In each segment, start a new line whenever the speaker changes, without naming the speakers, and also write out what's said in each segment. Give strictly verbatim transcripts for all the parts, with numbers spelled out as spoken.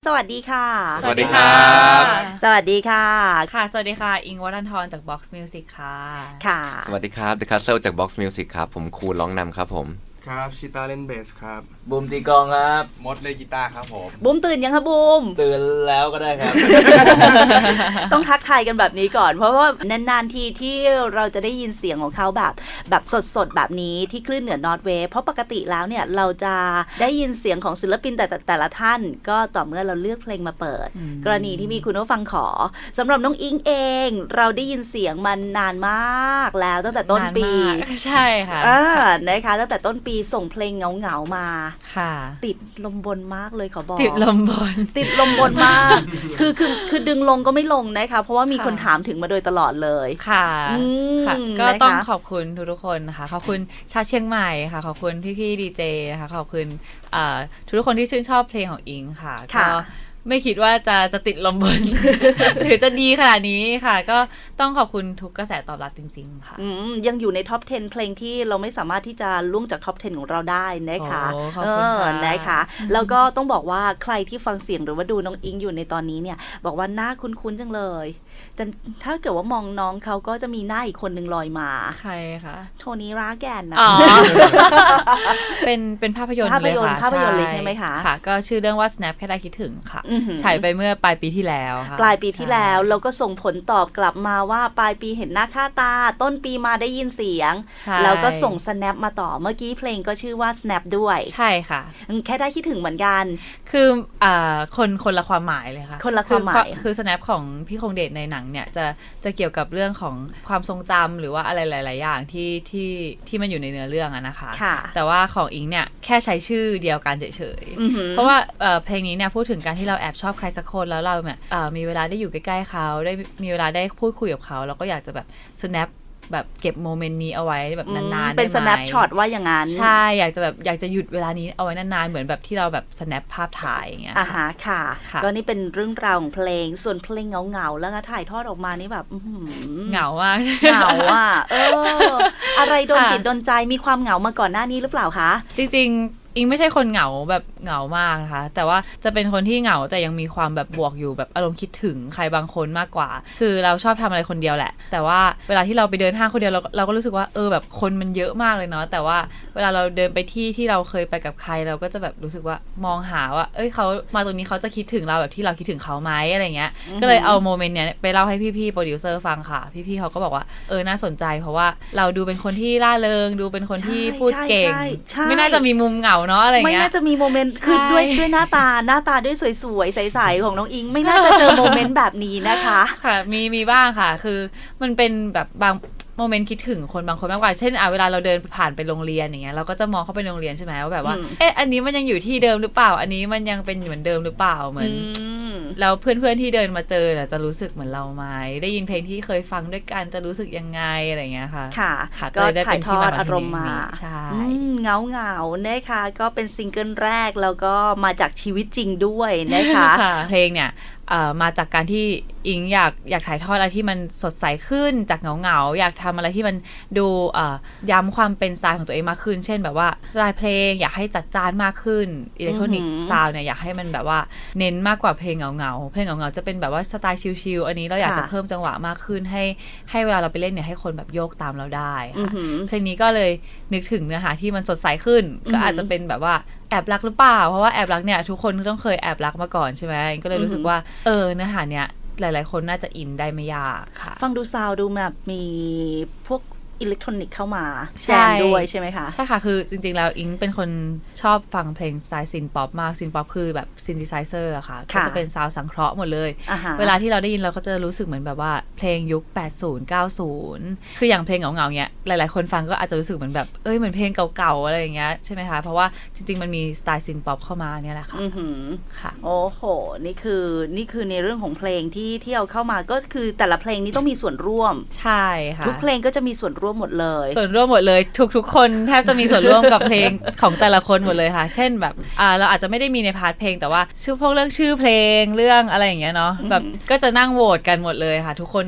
สวัสดีค่ะ
สวัสดีครับ
สวัสดีค่ะ
ค่ะสวัสดีค่ะอิงวัฒนทรจาก Box Music ค่ะ
ค่ะ
สวัสดีครับ The Castle จาก Box Music ครับผมคูลร้องนำครับผม
ครับชิต้าเล่นเบสครับ
บูมตีกลองครับ
มดเล่นกีตาร์ครับผม
บูมตื่นยังคะบูม
ตื่นแล้วก็ได้ครับ
ต้องทักทายกันแบบนี้ก่อนเพราะว่านานๆทีที่เราจะได้ยินเสียงของเขาแบบแบบสดๆแบบนี้ที่คลื่นเหนือนอร์ทเวฟเพราะปกติแล้วเนี่ยเราจะได้ยินเสียงของศิลปินแต่แต่ละท่านก็ต่อเมื่อเราเลือกเพลงมาเปิดกรณีที่มีคุณผู้ฟังขอสำหรับน้องอิงเองเราได้ยินเสียงมันนานมากแล้วตั้งแต่ต้นปี
ใช่ค่ะ
อ่านะคะตั้งแต่ต้นปีส่งเพลงเหงาๆมา
ค่ะ
ติดลมบนมากเลยขอบอก
ติดลมบน
ติดลมบนมากคือคือคือดึงลงก็ไม่ลงนะคะเพราะว่ามีคนถามถึงมาโดยตลอดเลย
ค่ะค่ะก็ต้องขอบคุณทุกๆคนนะคะขอบคุณชาวเชียงใหม่ค่ะขอบคุณพี่ๆดีเจนะคะขอบคุณทุกคนที่ชื่นชอบเพลงของอิงค่ะก็ไม่คิดว่าจะจะติดลมบน หรือจะดีขนาดนี้ค่ะก็ต้องขอบคุณทุกกระแสตอบรับจริงๆค่ะ
ยังอยู่ในท็อปสิบเพลงที่เราไม่สามารถที่จะล่วงจากท็อปสิบของเราได้นะคะ
เออ
นะคะแล้วก็ต้องบอกว่าใครที่ฟังเสียงหรือว่าดูน้องอิงอยู่ในตอนนี้เนี่ยบอกว่าหน้าคุ้นๆจังเลยแต่ถ้าเกิดว่ามองน้องเขาก็จะมีหน้าอีกคนนึงลอยมา
ใครคะ
โทนี่ราแกนนะ
อ๋อ เป็นเป็นภาพยนตร์
เลยค่ะภาพยนตร์เลยใช่ไหมคะ
ค่ะก็ชื่อเรื่องว่า snap แค่ได้คิดถึงค่ะฉายไปเมื่อปลายปีที่แล้วค่ะ
ปลายปีที่แล้วแล้วก็ส่งผลตอบกลับมาว่าปลายปีเห็นหน้าค่าตาต้นปีมาได้ยินเสียงแล้วก็ส่ง snap มาต่อเมื่อกี้เพลงก็ชื่อว่า snap ด้วย
ใช่ค่ะ
แค่ได้คิดถึงเหมือนกัน
คืออ่าคนคนละความหมายเลยค่ะ
คนละความหมาย
คือ snap ของพี่คงเดชในหนังเนี่ยจะจะเกี่ยวกับเรื่องของความทรงจำหรือว่าอะไรหลายๆอย่างที่ที่ที่มันอยู่ในเนื้อเรื่องอะนะคะแต่ว่าของอิงเนี่ยแค่ใช้ชื่อเดียวกันเฉยๆเพราะว่าเพลงนี้เนี่ยพูดถึงการที่เราแอบชอบใครสักคนแล้วเราเนี่ยมีเวลาได้อยู่ใกล้ๆเขาได้มีเวลาได้พูดคุยกับเขาเราก็อยากจะแบบ snap แบบเก็บโมเมนต์นี้เอาไว้แบบนานๆ
เป็น snap shot ว่าอย่างนั้น
ใช่อยากจะแบบอยากจะหยุดเวลานี้เอาไว้นานๆเหมือนแบบที่เราแบบ snap ภาพถ่ายอย่างเงี้ย
อ่าฮะค่ะก็นี่เป็นเรื่องราวของเพลงส่วนเพลงเหงาๆแล้วก็ถ่ายทอดออกมานี่แบบ
เหงามาก
เหงาอ่ะเอออะไรโดนจิตโดนใจมีความเหงามาก่อนหน้านี้หรือเปล่าคะ
จริงๆอิงไม่ใช่คนเหงาแบบเหงามากนะคะแต่ว่าจะเป็นคนที่เหงาแต่ยังมีความแบบบวกอยู่แบบอารมณ์คิดถึงใครบางคนมากกว่าคือเราชอบทำอะไรคนเดียวแหละแต่ว่าเวลาที่เราไปเดินห้างคนเดียวเราเราก็รู้สึกว่าเออแบบคนมันเยอะมากเลยเนาะแต่ว่าเวลาเราเดินไปที่ที่เราเคยไปกับใครเราก็จะแบบรู้สึกว่ามองหาว่าเอ้ยเขามาตรงนี้เขาจะคิดถึงเราแบบที่เราคิดถึงเขาไหมอะไรเงี้ยก็เลยเอาโมเมนต์เนี้ยไปเล่าให้พี่ๆโปรดิวเซอร์ฟังค่ะพี่ๆเขาก็บอกว่าเออน่าสนใจเพราะว่าเราดูเป็นคนที่ร่าเริงดูเป็นคนที่พูดเก่งไม่น่าจะมีมุมเหงาเนาะอะไรเงี้ย
ไม่น่าจะมีโมเมนต์คือด้วยด้วยหน้าตาหน้าตาด้วยสวยๆใสๆของน้องอิงไม่น่าจะเจอโมเมนต์แบบนี้นะคะ
ค่ะมีมีบ้างค่ะคือมันเป็นแบบบางโมเมนต์คิดถึงคนบางคนมากกว่าเช่นอ่ะเวลาเราเดินผ่านไปโรงเรียนอย่างเงี้ยเราก็จะมองเข้าไปโรงเรียนใช่ไหมว่าแบบว่าเอ๊ะอันนี้มันยังอยู่ที่เดิมหรือเปล่าอันนี้มันยังเป็นเหมือนเดิมหรือเปล่าเหมือนแล้วเพื่อนๆที่เดินมาเจอเนี่ยจะรู้สึกเหมือนเราไหมได้ยินเพลงที่เคยฟังด้วยกันจะรู้สึกยังไงอะไรเงี้ยค่ะ
ค่ะก็ถ่ายทอดอารมณ์มา
ใช่
เงาเงานะคะก็เป็นซิงเกิลแรกแล้วก็มาจากชีวิตจริงด้วยนะคะ
เพลงเนี่ยมาจากการที่อิงอยากอยากถ่ายทอดอะไรที่มันสดใสขึ้นจากเหงาๆอยากทำอะไรที่มันดูย้ำความเป็นสไตล์ของตัวเองมากขึ้นเช่นแบบว่าสไตล์เพลงอยากให้จัดจ้านมากขึ้นอิเล็กทรอนิกส์ซาวด์เนี่ยอยากให้มันแบบว่าเน้นมากกว่าเพลงเหงาๆเพลงเหงาๆจะเป็นแบบว่าสไตล์ชิลๆอันนี้เราอยากจะเพิ่มจังหวะมากขึ้นให้ให้เวลาเราไปเล่นเนี่ยให้คนแบบโยกตามเราได้ค่ะเพลงนี้ก็เลยนึกถึงเนื้อหาที่มันสดใสขึ้นก็อาจจะเป็นแบบว่าแอบรักหรือเปล่าเพราะว่าแอบรักเนี่ยทุกคนต้องเคยแอบรักมาก่อนใช่ไหมก็เลยรู้สึกว่าเออเนื้อหาเนี้ยหลายๆคนน่าจะอินได้ไม่ยากค่ะ
ฟังดูซาวดูแบบมีพวกอิเล็กทรอนิกส์เข้ามาแซมด้วยใช่ไหมคะ
ใช่ค่ะคือจริงๆแล้วอิงเป็นคนชอบฟังเพลงสไตล์ซินป๊อปมากซินป๊อปคือแบบซินธิไซเซอร์อะค่ะก็จะเป็นซาวด์สังเคราะห์หมดเลยเวลาที่เราได้ยินเราก็จะรู้สึกเหมือนแบบว่าเพลงยุคแปดสิบ เก้าสิบคืออย่างเพลงเหงาๆเงี้ยหลายๆคนฟังก็อาจจะรู้สึกเหมือนแบบเอ้ยเหมือนเพลงเก่าๆอะไรอย่างเงี้ยใช่ไหมคะเพราะว่าจริงๆมันมีสไตล์ซินป๊อปเข้ามาเนี่ยแหละค่ะ
ค่ะโอ้โหนี่คือนี่คือในเรื่องของเพลงที่ที่เอาเข้ามาก็คือแต่ละเพลงนี้ต้องมีส่วนร่วม
ใช่ค่ะ
ทุกเพลงก็จะมีส่วนร่วมหมดเลย
ส่วนร่วมหมดเลยทุกๆคนแทบจะมีส่วนร่วมกับเพลงของแต่ละคนหมดเลยค่ะเช่นแบบอ่าเราอาจจะไม่ได้มีในพาร์ทเพลงแต่ว่าชื่อพวกเรื่องชื่อเพลงเรื่องอะไรอย่างเงี้ยเนาะแบบก็จะนั่งโหวตกันหมดเลยค่ะทุกคน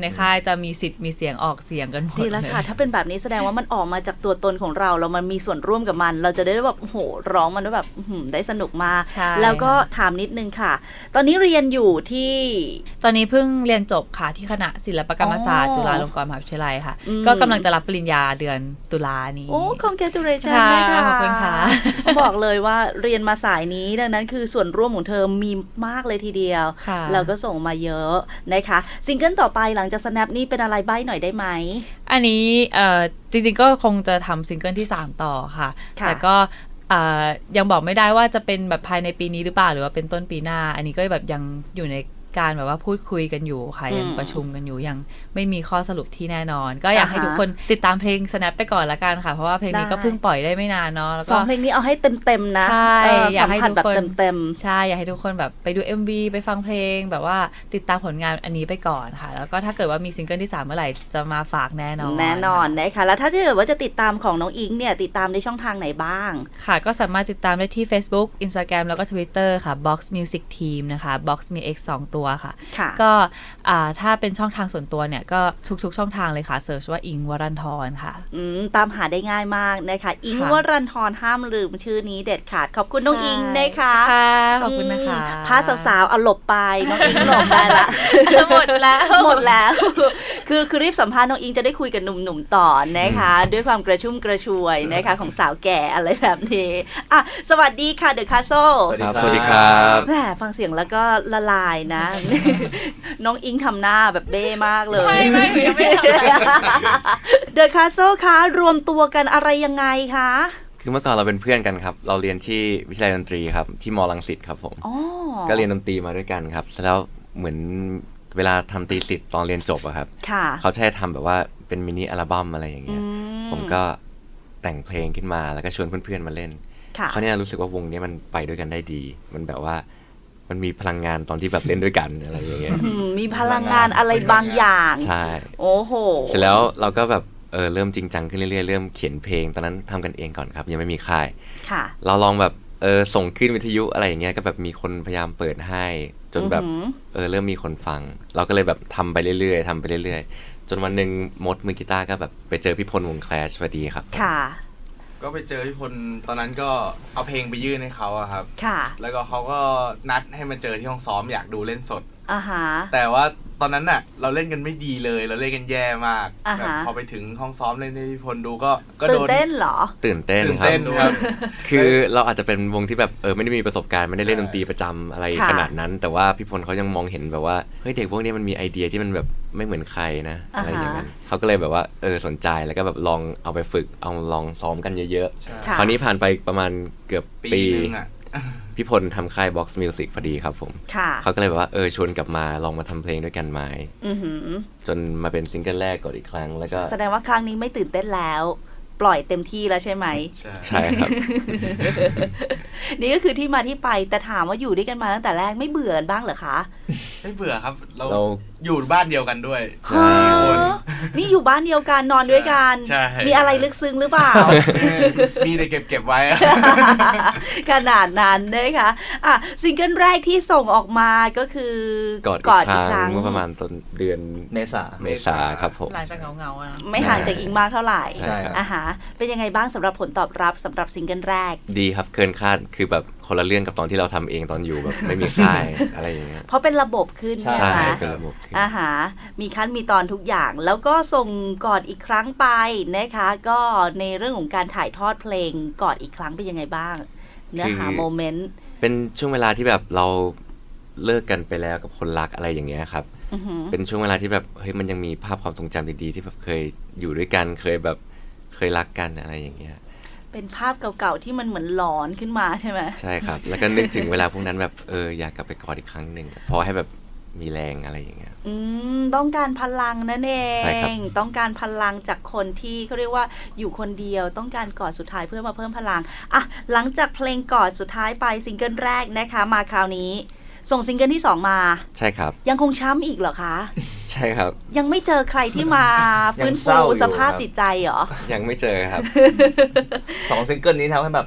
ในค่ายจะมีสิทธิ์มีเสียงออกเสียงกันหมด
ดีแล้วค่ะ ถ้าเป็นแบบนี้แสดงว่ามันออกมาจากตัวตนของเราเรามันมีส่วนร่วมกับมัน เราจะได้แบบโอ้โหร้องมันได้แบบได้สนุกมากแล้วก็ถามนิดนึงค่ะตอนนี้เรียนอยู่ที่
ตอนนี้เพิ่งเรียนจบค่ะที่คณะศิลปกรรมศาสตร์จุฬาลงกรณ์มหาวิทยาลัยค่ะก็กำลังจะรับปริญญาเดือนตุลานี้
โอ้ congratulations ค่ะขอบคุณค่ะบอกเลยว่าเรียนมาสายนี้ดังนั้นคือส่วนร่วมของเธอมีมากเลยทีเดียวเราก็ส่งมาเยอะนะคะซิงเกิลต่อไปหลังจาก Snap นี่เป็นอะไรใบ้หน่อยได้ไหม
อันนี้เอ่อจริงๆก็คงจะทำซิงเกิลที่สามต่อค่ะแต่ก็ยังบอกไม่ได้ว่าจะเป็นแบบภายในปีนี้หรือเปล่าหรือว่าเป็นต้นปีหน้าอันนี้ก็แบบยังอยู่ในการแบบว่าพูดคุยกันอยู่ค่ะยังประชุมกันอยู่ยังไม่มีข้อสรุปที่แน่นอนก็อยากให้ทุกคนติดตามเพลง Snap ไปก่อนละกันค่ะเพราะว่าเพลงนี้ก็เพิ่งปล่อยได้ไม่นานเนาะแล้วก็
สองเพลงนี้เอาให้เต็มๆนะ
ใช่อยากให้ทุกคน
เต็มๆ
ใช่อยากให้ทุกคนแบบไปดู เอ็ม วี ไปฟังเพลงแบบว่าติดตามผลงานอันนี้ไปก่อนค่ะแล้วก็ถ้าเกิดว่ามีซิงเกิลที่สามเมื่อไหร่จะมาฝากแน่นอน
แน่นอนนะคะแล้วถ้าเกิดว่าจะติดตามของน้องอิงเนี่ยติดตามในช่องทางไหนบ้าง
ค่ะก็สามารถติดตามได้ที่ Facebook Instagram แล้วก็ Twitter ค่ะ Box Music Team นะคะ Box มี X สองตัวค่ะก็ถ้าเป็นช่องทางส่วนตัวเนี่ยก็ทุกๆช่องทางเลยค่ะเสิร์ชว่าอิงวรันธรค่ะ
ตามหาได้ง่ายมากนะคะอิงวรันธรห้ามลืมชื่อนี้เด็ดขาดขอบคุณน้องอิงนะคะ
ขอบคุณนะคะ
พาสาวๆเอาหลบไปน้องอิงหลบได้ละ
หมดแล้ว
หมดแล้วคือคือรีบสัมภาษณ์น้องอิงจะได้คุยกับหนุ่มๆต่อนะคะด้วยความกระชุ่มกระชวยนะคะของสาวแก่อะไรแบบนี้อ่ะสวัสดีค่ะเดอะคาสเซิล
สวัสดีครับ
แหมฟังเสียงแล้วก็ละลายนะน้องอิงทำหน้าแบบเบ้มากเลย
ไม่ไม่ไม่ไม่ทำอะไร
เดอะคาสเซิลคะรวมตัวกันอะไรยังไงคะ
คือเมื่อก่อนเราเป็นเพื่อนกันครับเราเรียนที่วิทยาลัยดนตรีครับที่มอรังสิตครับผมก็เรียนดนตรีมาด้วยกันครับแล้วเหมือนเวลาทำตีสิทธิ์ตอนเรียนจบอะครับเขาใช้ทำแบบว่าเป็นมินิอัลบั้มอะไรอย่างเงี้ยผมก็แต่งเพลงขึ้นมาแล้วก็ชวนเพื่อนๆมาเล่นเขาเนี่ยรู้สึกว่าวงนี้มันไปด้วยกันได้ดีมันแบบว่ามันมีพลังงานตอนที่แบบเล่นด้วยกันอะไรอย่างเงี้ย
มีพลังงานอะไรบางอย่าง
ใช่
โอ้โห
เสร็จแล้วเราก็แบบเออเริ่มจริงจังขึ้นเรื่อยๆเริ่มเขียนเพลงตอนนั้นทำกันเองก่อนครับยังไม่มีค่ายเราลองแบบเออส่งขึ้นวิทยุอะไรอย่างเงี้ยก็แบบมีคนพยายามเปิดให้จนแบบเออเริ่มมีคนฟังเราก็เลยแบบทำไปเรื่อยๆทำไปเรื่อยๆจนวันหนึ่งมดมือกีตาร์ก็แบบไปเจอพี่พลวง Clash พอดีครับ
ค่ะ
ก็ไปเจอพี่พลตอนนั้นก็เอาเพลงไปยื่นให้เขาอะครับ
ค่ะ
แล้วก็เขาก็นัดให้มาเจอที่ห้องซ้อมอยากดูเล่นสด
อ่าฮะ
แต่ว่าตอนนั้นน่ะเราเล่นกันไม่ดีเลยเราเล่นกันแย่มากแบบพอไปถึงห้องซ้อมเล่นให้พี่พลดูก็ก็
โดนตื่นเต้นเหรอ
ตื่นเต้นครับคือเราอาจจะเป็นวงที่แบบเออไม่ได้มีประสบการณ์ไม่ได้เล่นดนตรีประจำอะไรขนาดนั้นแต่ว่าพี่พลเขายังมองเห็นแบบว่าเฮ้ยเด็กพวกนี้มันมีไอเดียที่มันแบบไม่เหมือนใครนะอะไรอย่างนั้นเขาก็เลยแบบว่าเออสนใจแล้วก็แบบลองเอาไปฝึกเอาลองซ้อมกันเยอะๆคราวนี้ผ่านไปประมาณเกือบปีพี่พลทำค่าย Box Music พอดีครับผมเขาก็เลยแบบว่าเออชวนกลับมาลองมาทำเพลงด้วยกันไหมจนมาเป็นซิงเกิลแรกก่อนอีกครั้งแล้วก็
แสดงว่าครั้งนี้ไม่ตื่นเต้นแล้วปล่อยเต็มที่แล้วใช่ไหม
ใช่ครับ
นี่ก็คือที่มาที่ไปแต่ถามว่าอยู่ด้วยกันมาตั้งแต่แรกไม่เบื่อกันบ้างเหรอคะ
ไม่เบื่อครับเราอยู่บ้านเดียวกันด้วย
นี่อยู่บ้านเดียวกันนอนด้วยกันมีอะไรลึกซึ้งหรือเปล่า
มีแต่เก็บเก็บไว้
ขนาดนั้นนะคะอ่ะซิงเกิลแรกที่ส่งออกมาก็คือก
อดอีกครั้งเมื่อประมาณต้นเดือน
เมษา
เมษาครับผม
หลังจากเงาๆนะ
ไม่ห่างจากอิงมากเท่าไหร่
ใช่
อ่ะฮะเป็นยังไงบ้างสำหรับผลตอบรับสำหรับซิงเกิลแรก
ดีครับเกินคาดคือแบบคนละเรื่องกับตอนที่เราทำเองตอนอยู่แบบไม่มีค่ายอะไรอย่างเงี้ย
เพราะเป็นระบบขึ้นใช่ไหม
เป็นระบบขึ้น
อ่าฮะมีขั้นมีตอนทุกอย่างแล้วก็ส่งกอดอีกครั้งไปนะคะก็ในเรื่องของการถ่ายทอดเพลงกอดอีกครั้งเป็นยังไงบ้างเนื้อหาโมเมนต์
เป็นช่วงเวลาที่แบบเราเลิกกันไปแล้วกับคนรักอะไรอย่างเงี้ยครับเป็นช่วงเวลาที่แบบเฮ้ยมันยังมีภาพความทรงจำดีๆที่แบบเคยอยู่ด้วยกันเคยแบบเคยรักกันอะไรอย่างเงี้ย
เป็นภาพเก่าๆที่มันเหมือนหลอนขึ้นมาใช่ไหม
ใช่ครับแล้วก็นึกถึงเวลาพวกนั้นแบบเอออยากกลับไปกอดอีกครั้งหนึ่งพอให้แบบมีแรงอะไรอย่างเงี้ย
อืมต้องการพลังนั่นเองต้องการพลังจากคนที่เขาเรียกว่าอยู่คนเดียวต้องการกอดสุดท้ายเพื่อมาเพิ่มพลังอ่ะหลังจากเพลงกอดสุดท้ายไปซิงเกิลแรกนะคะมาคราวนี้ส่งซิงเกิลที่สองมา
ใช่ครับ
ยังคงช้ำอีกเหรอคะ
ใช่ครับ
ยังไม่เจอใครที่มาฟื้นฟูสภาพจิตใจเหรอ
ยังไม่เจอครับ
สองซิงเกิลนี้ทำให้แบบ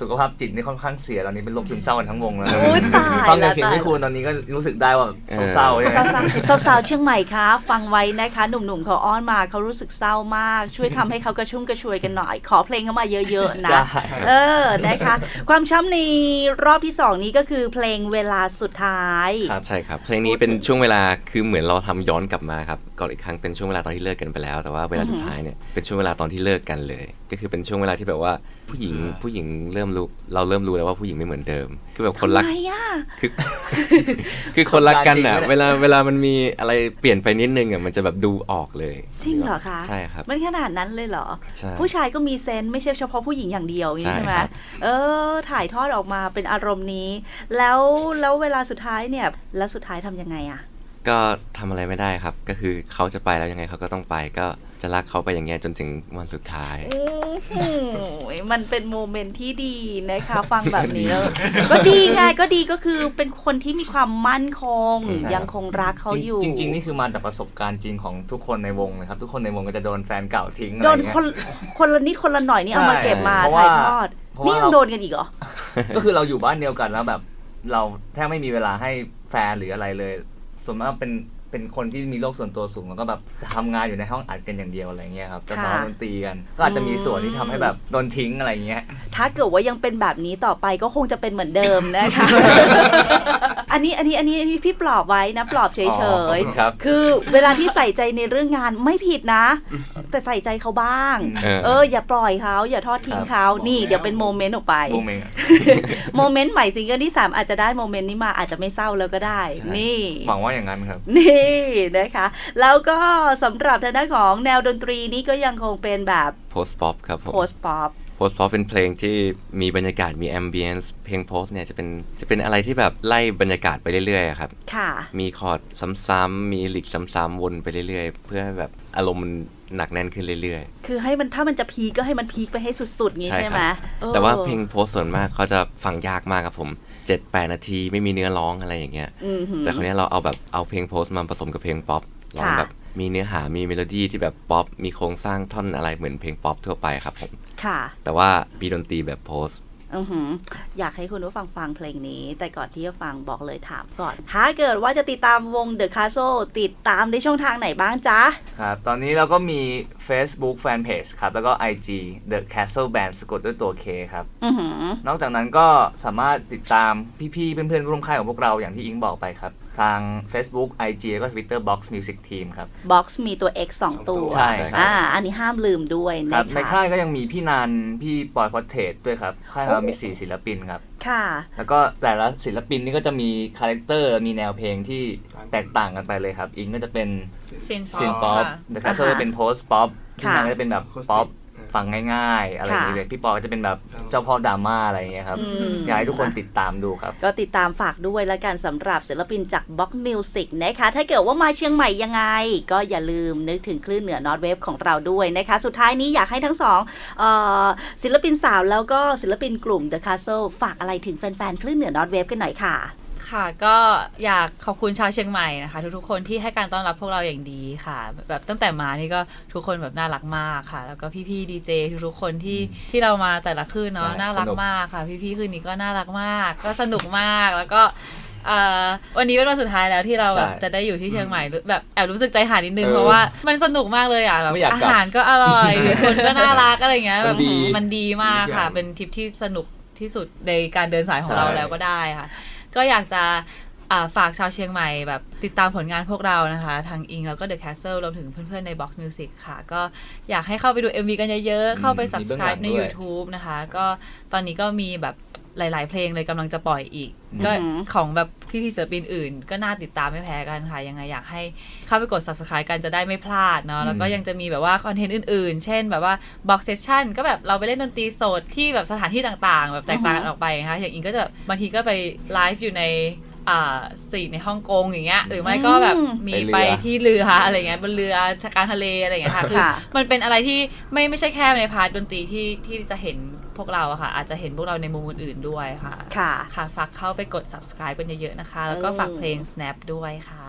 สุขภาพจิตนี่ค่อนข้างเสียตอนนี้เป็นโรคซึมเศร้ากันทั้งวงแล้ว
โอ้ยตาย
ฟัง
แล้
จาว กเสียงพี่คูณตอนนี้ก็รู้สึกได้ว่าเศร้าๆใช่ไหม
สาวๆสาวๆเชียงใหม่คะฟังไว้นะคะหนุ่มๆเขาอ้อนมาเขารู้สึกเศร้ามาก ช่วยทำให้เขากระชุ่มกระชวยกันหน่อยขอเพลงเข้ามาเยอะๆนะเออนะคะความช้ำในรอบที่สองนี้ก็คือเพลงเวลาสุดท้าย
ใช่ครับเพลงนี้เป็นช่วงเวลาคือเหมือนเราทำย้อนกลับมาครับก่อนอีกครั้งเป็นช่วงเวลาตอนที่เลิกกันไปแล้วแต่ว่าเวลาสุดท้ายเนี่ยเป็นช่วงเวลาตอนที่เลิกกันเลยก็คือเป็นช่วงเวลาที่แบบว่าผู้หญิงผู้หญิงเริ่มรู้เราเริ่มรู้แล้วว่าผู้หญิงไม่เหมือนเดิมคือแบบคนรักคือคือคนรักกันอ่ะเวลาเวลามันมีอะไรเปลี่ยนไปนิดนึงอ่ะมันจะแบบดูออกเลย
จริงเหรอคะ
ใช่ครับ
มันขนาดนั้นเลยเหรอผู้ชายก็มีเซนส์ไม่ใช่เฉพาะผู้หญิงอย่างเดียวอย่างนี้ใช่ไหมเออถ่ายทอดออกมาเป็นอารมณ์นี้แล้วแล้วเวลาสุดท้ายเนี่ยแล้วสุดท้ายทำยังไงอ่ะ
ก็ทำอะไรไม่ได้ครับก็คือเขาจะไปแล้วยังไงเขาก็ต้องไปก็จะรักเขาไปอย่างเงี้ยจนถึงวันสุดท้าย
มันเป็นโมเมนต์ที่ดีนะคะฟังแบบนี้แล้วก็ดีไงก็ดีก็คือเป็นคนที่มีความมั่นคงยังคงรักเขาอยู่
จริงๆนี่คือมาจากประสบการณ์จริงของทุกคนในวงนะครับทุกคนในวงก็จะโดนแฟนเก่าทิ้งอะไร
โด
น
คนคนละนิดคนละหน่อยนี่เอามาเก็บมาถ่ายทอดนี่ยังโดนกันอีกเหรอ
ก็คือเราอยู่บ้านเดียวกันแล้วแบบเราแทบไม่มีเวลาให้แฟนหรืออะไรเลยส่วนมากเป็นเป็นคนที่มีโรคส่วนตัวสูงแล้วก็แบบทำงานอยู่ในห้องอัดกันอย่างเดียวอะไรเงี้ยครับจะซ้อมดนตรีกันก็อาจจะมีส่วนที่ทำให้แบบโดนทิ้งอะไรเงี้ย
ถ้าเกิดว่ายังเป็นแบบนี้ต่อไปก็คงจะเป็นเหมือนเดิมนะคะ อันนี้อันนี้อันนี้อันนี้พี่ปลอบไว้นะปลอบเฉยๆคือเวลาที่ใส่ใจในเรื่องงานไม่ผิดนะแต่ใส่ใจเขาบ้างเอออย่าปล่อยเขาอย่าทอดทิ้งเขานี่เดี๋ยวเป็นโมเมนต์ออกไป
โมเมนต์
โมเมนต์ใหม่ซิงเกิลที่สามอาจจะได้โมเมนต์นี้มาอาจจะไม่เศร้าแล้วก็ได้นี่
หวังว่าอย่างนั้นครับ
นี่นะคะแล้วก็สำหรับทางด้านของแนวดนตรีนี้ก็ยังคงเป็นแบบ
post pop ครับผม
post pop
post pop เป็นเพลงที่มีบรรยากาศมี ambience เพลง post เนี่ยจะเป็นจะเป็นอะไรที่แบบไล่บรรยากาศไปเรื่อยๆครับ
ค่ะ
มีคอร์ดซ้ำๆมีลิกซ้ำๆวนไปเรื่อยๆเพื่อให้แบบอารมณ์มันหนักแน่นขึ้นเรื่อย
ๆคือให้มันถ้ามันจะพีคก็ให้มันพีคไปให้สุดๆงี้ใช่ไหม
แต่ว่าเพลง post ส่วนมากเขาจะฟังยากมากครับผมเจ็ดแปดนาทีไม่มีเนื้อร้องอะไรอย่างเงี้ยแต่คราวนี้เราเอาแบบเอาเพลง post มาผสมกับเพลงป๊อปลองแบบมีเนื้อหามีเมโลดี้ที่แบบป๊อปมีโครงสร้างท่อนอะไรเหมือนเพลงป๊อปทั่วไปครับผม
ค่ะ
แต่ว่ามีดนตรีแบบโพส
อือหืออยากให้คุณผู้ฟังฟังเพลงนี้แต่ก่อนที่จะฟังบอกเลยถามก่อนถ้าเกิดว่าจะติดตามวง The Castle ติดตามในช่องทางไหนบ้างจ๊ะ
ครับตอนนี้เราก็มี Facebook Fanpage ครับแล้วก็ ไอ จี The Castle Band สะกดด้วยตัว K ครับ
อือหือน
อกจากนั้นก็สามารถติดตามพี่ๆเพื่อนๆร่วมค่ายของพวกเราอย่างที่อิงบอกไปครับทาง Facebook ไอ จี แล้วก็ Twitter Box Music Team ครับ
Box มีตัว X สองตัว
ใช่
อ่าอันนี้ห้ามลืมด้วย
นะครับในค่ายก็ยังมีพี่นันพี่ปอยพอดเทสด้วยครับค่ายเรามีสี่ศิลปินครับ
ค่ะ
แล้วก็แต่ละศิลปินนี่ก็จะมีคาแรคเตอร์มีแนวเพลงที่แตกต่างกันไปเลยครับอิงก็จะเป็น
ซินป๊อป
เดอะแคสเซิลจะเป็นโพสต์ป๊อปพี่นันก็จะเป็นแบบป๊อปฟังง่ายๆอะไรอย่างเงี้ยพี่ปอก็จะเป็นแบบเจ้าพ่อดราม่าอะไรอย่างเงี้ยครับอยากให้ทุกคนติดตามดูครับ
ก็ติดตามฝากด้วยแล้วกันสำหรับศิลปินจาก Box Music นะคะถ้าเกิดว่ามาเชียงใหม่ยังไงก็อย่าลืมนึกถึงคลื่นเหนือ North Wave ของเราด้วยนะคะสุดท้ายนี้อยากให้ทั้งสองศิลปินสาวแล้วก็ศิลปินกลุ่ม The Castle ฝากอะไรถึงแฟนๆคลื่นเหนือ North Wave กันหน่อยค่ะ
ค่ะก็อยากขอบคุณชาวเชียงใหม่นะคะทุกๆคนที่ให้การต้อนรับพวกเราอย่างดีค่ะแบบตั้งแต่มานี่ก็ทุกคนแบบน่ารักมากค่ะแล้วก็พี่ๆดีเจทุกๆคนที่ที่เรามาแต่ละคืนเนาะน่ารักมากค่ะพี่ๆคืนนี้ก็น่ารักมากก็สนุกมากแล้วก็วันนี้เป็นวันสุดท้ายแล้วที่เราแบบจะได้อยู่ที่เชียงใหม่แบบแอบรู้สึกใจหายนิดนึงเพราะว่ามันสนุกมากเลยอ่ะแบบอาหารก็อร่อยคนก็น่ารักอะไรเงี้ยแบบมันดีมากค่ะเป็นทริปที่สนุกที่สุดในการเดินสายของเราแล้วก็ได้ค่ะก็อยากจะฝากชาวเชียงใหม่แบบติดตามผลงานพวกเรานะคะทางอิงแล้วก็ The Castle รวมถึงเพื่อนๆใน Box Music ค่ะก็อยากให้เข้าไปดู เอ็ม วี กันเยอะๆเข้าไป Subscribe ใน YouTube นะคะก็ตอนนี้ก็มีแบบหลายๆเพลงเลยกำลังจะปล่อยอีกก็ของแบบพี่ๆศิลปินอื่นก็น่าติดตามไม่แพ้กันค่ะยังไงอยากให้เข้าไปกด Subscribe กันจะได้ไม่พลาดเนาะแล้วก็ยังจะมีแบบว่าคอนเทนต์อื่นๆเช่นแบบว่า Box Session ก็แบบเราไปเล่นดนตรีสดที่แบบสถานที่ต่างๆแบบแตกต่างกันออกไปนะคะอย่างอิงก็จะบางทีก็ไปไลฟ์อยู่ในอ่าสตรีทในฮ่องกงอย่างเงี้ยหรือไม่ก็แบบมีไปที่เรืออะไรเงี้ยบนเรือทางทะเลอะไรเงี้ยค่ะคือมันเป็นอะไรที่ไม่ไม่ใช่แค่ในพาร์ทดนตรีที่ที่จะเห็นพวกเราอะค่ะอาจจะเห็นพวกเราในมุมอื่นๆด้วยค่ะ
ค่ะ
ค่ะฝากเข้าไปกด Subscribe กันเยอะๆนะคะแล้วก็ฝากเพลง Snap ด้วยค่ะ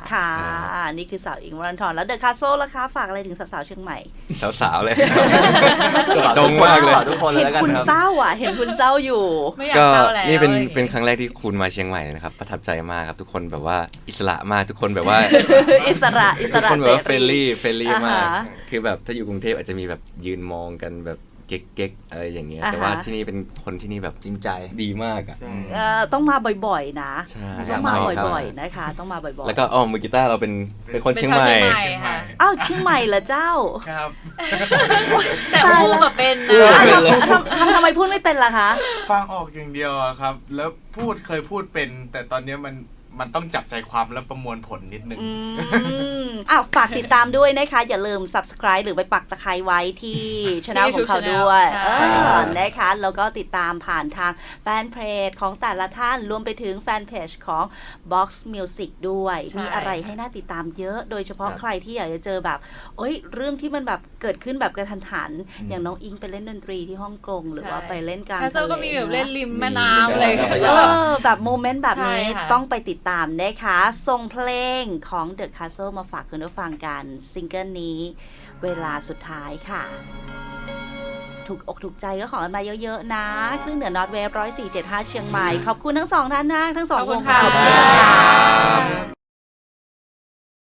ค่ะนี่คือสาวอิงค์วรันธรแล้วเดอะคาสเซิลล่ะคะฝากอะไรถึงสาวๆเชียงใหม่
สาวๆเลยจงมากเลย
ทุกคนเลย
เห็น
แล้วกัน
คุณ
ครับ
เศร้าอ่ะเห็นคุณเศร้าอยู่
ไม่อยาก
ก็
เศร้าแล้ว
นี่เป็น
อะไรอย่างงี้
เป็นครั้งแรกที่คุณมาเชียงใหม่นะครับประทับใจมากครับทุกคนแบบว่าอิสระมากทุกคนแบบว่า
อิสระอิส
ทุก
ระ
คนแบบว่า
เส
เฟรนลี่เฟรนลี่มาก
อ่าฮะ
คือแบบถ้าอยู่กรุงเทพอาจจะมีแบบยืนมองกันแบบเก๊กๆอะไรอย่างเงี้ย
อ่าฮะ
แต่ว่าที่นี่เป็นคนที่นี่แบบ
จริงใจ
ดีมากอ่ะ
ใช่
เอ่อต้องมาบ่อยๆนะ
ใช่
ต้องมา
ใช่ครับ
บ่อยๆนะคะ ต้องมาบ่อยๆ
แล้วก็อ๋อมือกีตาร์เราเป็นเป็นคน
เป็น
เชียง
ชาว
ใหม่
เชียงใหม่
เชียงใหม่
ค่ะ
อ้าวเชียงใหม่เหรอเจ้า
ครับ
แต่อูแบบเป็น
อู้
นะ
เป็นเลย
ทำทำทำไมพูดไม่เป็นล่ะคะ
ฟังออกอย่างเดียวอะครับ แล้วพูดเคยพูดเป็น แต่ตอนนี้มันมันต้องจับใจความและประมวลผลนิดนึง
อืมอ้าวฝากติดตามด้วยนะคะ อย่าลืม subscribe หรือไปปักตะไคร้ไว้ที่ช่องของเขาด้วย
ใช่
เออนะคะ แล้วก็ติดตามผ่านทางแฟนเพจของแต่ละท่านรวมไปถึงแฟนเพจของ Box Music ด้วย มีอะไรให้น่าติดตามเยอะ โดยเฉพาะ
ครับ
ใครที่อยากจะเจอแบบเอ้ยเรื่องที่มันแบบเกิดขึ้นแบบกระทันหัน
อืม
อย่างน้องอิงไปเล่นดนตรีที่ฮ่องกงหรือว่า
ใช่
ไปเล่นกลาง
แคสเซิลก็มีแบบเล่น
ทะ
ริมแม่น้ำอะไรอย่างเงี้ย
ใช่
เออแบบโมเมนต์แบบนี้
ใช่ค่ะ
ต้องไปติดตามนะคะส่งเพลงของ The Castle มาฝากคุณผู้ฟังกันซิงเกิลนี้เวลาสุดท้ายค่ะ ถูกอกถูกใจก็ขอกันมาเยอะๆนะคลื่นเหนือนอตเวฟร้อยสี่เจ็ดห้าเชียงใหม่ ขอบคุณทั้งสองท่านนะทั้งสอง
ขอบคุณ
วง
ค่ะ
ขอบคุณค่ะ